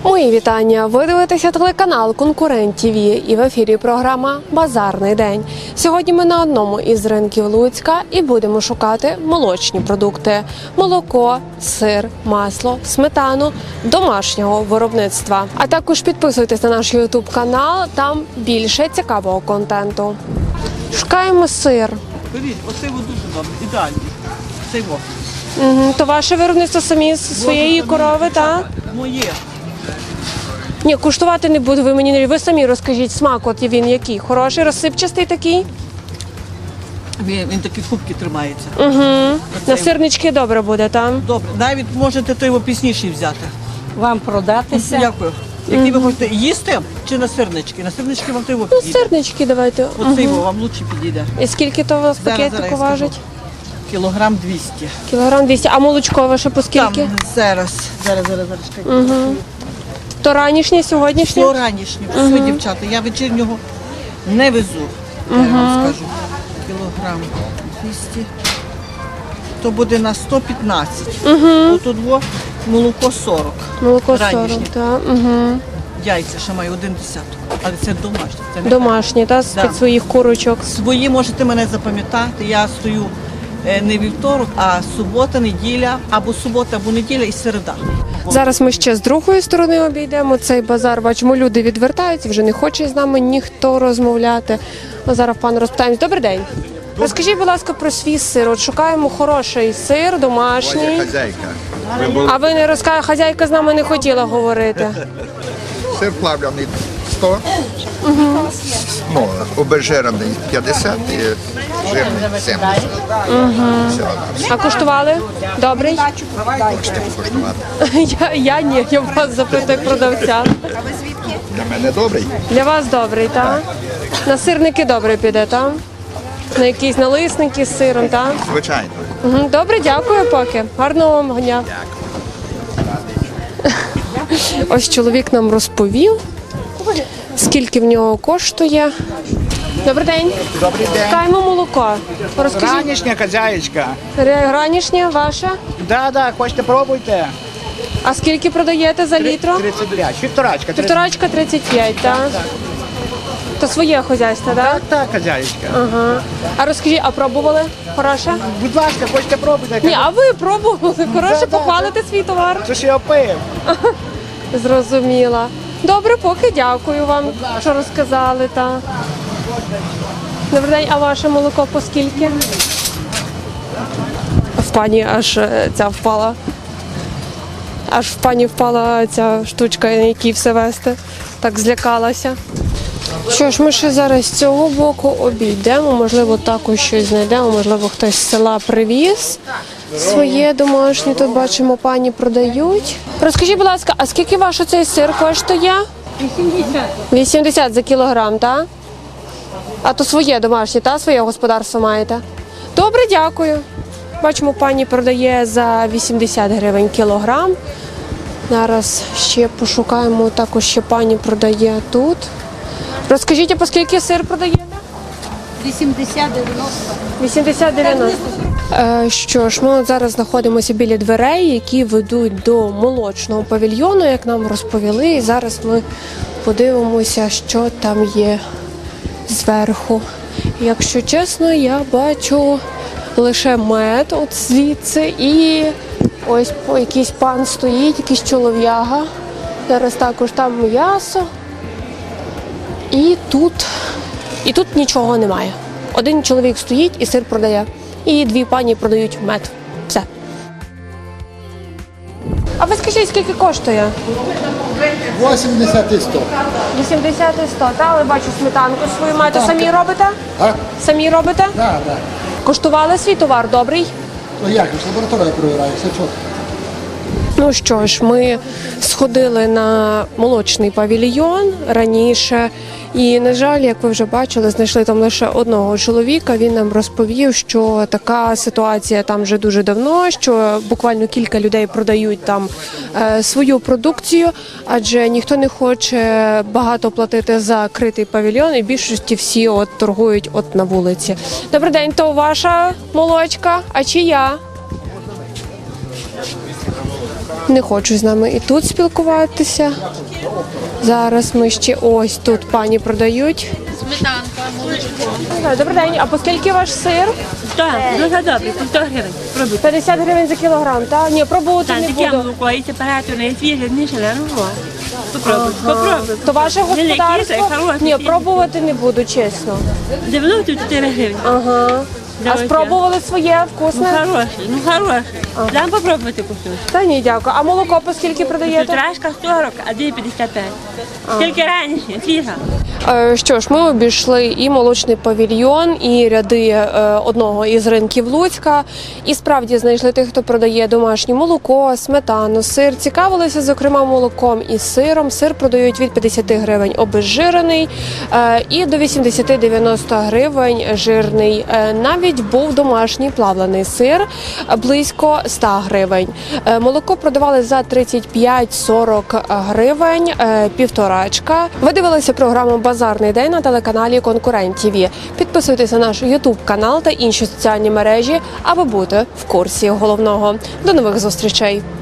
Мої вітання! Ви дивитеся телеканал «Конкурент ТВ» і в ефірі програма «Базарний день». Сьогодні ми на одному із ринків Луцька і будемо шукати молочні продукти – молоко, сир, масло, сметану домашнього виробництва. А також підписуйтесь на наш ютуб-канал, там більше цікавого контенту. Шукаємо сир. Беріть, оцей дуже добре, ідеальний. Цей во. То ваше виробництво самі з своєї корови, так? Моє. Ні, куштувати не буду, ви мені не... Ви самі розкажіть, смак от він який? Хороший, розсипчастий такий? Він такі кубки тримається. Угу. На сирнички добре буде, там? Добре, навіть можете той його пісніший взяти. Вам продатися. Дякую. Які ви хочете їсти чи на сирнички? На сирнички вам той його підійде. Сирнички давайте. Оцей його вам лучше підійде. І скільки то у вас пакетику я важить? скажу. Кілограм 200. Кілограм 200. А молочко ваше по скільки? Там зараз. Чекайте. То ранішнє, сьогоднішнє? Все ранішнє, все, дівчата. Я вечірнього не везу, я вам скажу. Кілограм 200. То буде на 115. Отут молоко 40. Молоко 40, Ранішнє. так. Яйця ще маю 1 десяток. Але це домашнє. Це не Домашні, так, з-під Да. своїх курочок. свої можете мене запам'ятати. Я стою не вівторок, а субота, неділя, або субота, або неділя і середа. Зараз ми ще з другої сторони обійдемо цей базар. Бачимо, люди відвертаються, вже не хоче з нами ніхто розмовляти. А зараз пан розпитаємось. Добрий день. Розкажіть, будь ласка, про свій сир. От шукаємо хороший сир, домашній. Хазяйка. А ви не розкажете, хазяйка з нами не хотіла говорити. Сир плавлений 100, ну, обезжирений 50 і жирний 70. А куштували? Добрий? Хочете покуштувати? Я ні, я вас запитую як продавця. Для мене добрий. Для вас добрий, так? На сирники добре піде, так? На якісь налисники з сиром, так? Звичайно. Добре, дякую поки. Гарного вам дня. Ось чоловік нам розповів, скільки в нього коштує. Добрий день. Добрий день. Шукаємо молоко. Розкажіть. Ранішня хазяїчка. Гранішнє ваше? Да, хочете пробуйте. А скільки продаєте за літро? 35. Півторачка. Півторачка 35, так? То своє хазяйство, так? Так, хазяїчка. Ага. А розкажіть, а пробували? Хороше? Будь ласка, хочете пробуйте. Ні, а ви пробували? Хороше, Да. похвалите свій товар? Це ж я пив. Зрозуміла. Добре, поки дякую вам, що розказали. Добрий день, а ваше молоко по скільки? В пані аж ця впала. Аж в пані впала ця штучка, на якій все вести. Так злякалася. Що ж, ми ще зараз з цього боку обійдемо, можливо, також щось знайдемо, можливо, хтось з села привіз своє домашнє. Тут бачимо, пані продають. Розкажіть, будь ласка, а скільки ваш оцей сир коштує? 80. 80 за кілограм, так? А то своє домашнє, так? Своє господарство маєте? Добре, дякую. Бачимо, пані продає за 80 гривень кілограм. Зараз ще пошукаємо, також ще пані продає тут. Розкажіть, а по скільки сир продаєте? 80-90. 80-90. Що ж, ми от зараз знаходимося біля дверей, які ведуть до молочного павільйону, як нам розповіли. І зараз ми подивимося, що там є зверху. Якщо чесно, я бачу лише мед от звідси і ось якийсь пан стоїть, якийсь чолов'яга. Зараз також там м'ясо. І тут нічого немає. Один чоловік стоїть і сир продає. І дві пані продають мед. Все. А ви скажіть, скільки коштує? 80 і 100. 80 і 100, та? Але бачу сметанку свою маєте. Самі робите? А? Самі робите? Так, так. Коштували свій товар добрий? Ну як, ж лабораторія перевіряє, все чітко. Ну що ж, ми сходили на молочний павільйон раніше. І, на жаль, як ви вже бачили, знайшли там лише одного чоловіка. Він нам розповів, що така ситуація там вже дуже давно, що буквально кілька людей продають там свою продукцію, адже ніхто не хоче багато платити за критий павільйон, і в більшості всі от торгують от на вулиці. Добрий день, то ваша молочка, а чия? Не хочуть з нами і тут спілкуватися. Зараз ми ще ось тут пані продають. Добрий день, а по скільки ваш сир? Так, дуже добре, по 100 гривень. Пробуйте. 50 гривень за кілограм, так? Ні, пробувати Так, не таке буду. молоко, і температура, і свіже, ніж, але ну, попробуйте, попробуйте. То ваше Не лякіться, господарство? хороше, Ні, фірма. пробувати не буду, чесно. 94 гривні. Ага. А Давайте. спробували своє Ну, вкусне? хороше. Дам попробувати кусочок. Та ні, дякую. А молоко по скільки продаєте? Півторашка 40, а 2,55. Тільки раніше, свіжа. Що ж, ми обійшли і молочний павільйон, і ряди одного із ринків Луцька. І справді знайшли тих, хто продає домашнє молоко, сметану, сир. Цікавилися, зокрема, молоком і сиром. Сир продають від 50 гривень обезжирений і до 80-90 гривень жирний. Навіть був домашній плавлений сир близько 100 гривень. Молоко продавали за 35-40 гривень, півторачка. Ви дивилися програму «Базарний день» на телеканалі «Конкурент ТВ». Підписуйтесь на наш YouTube канал та інші соціальні мережі, аби бути в курсі головного. До нових зустрічей!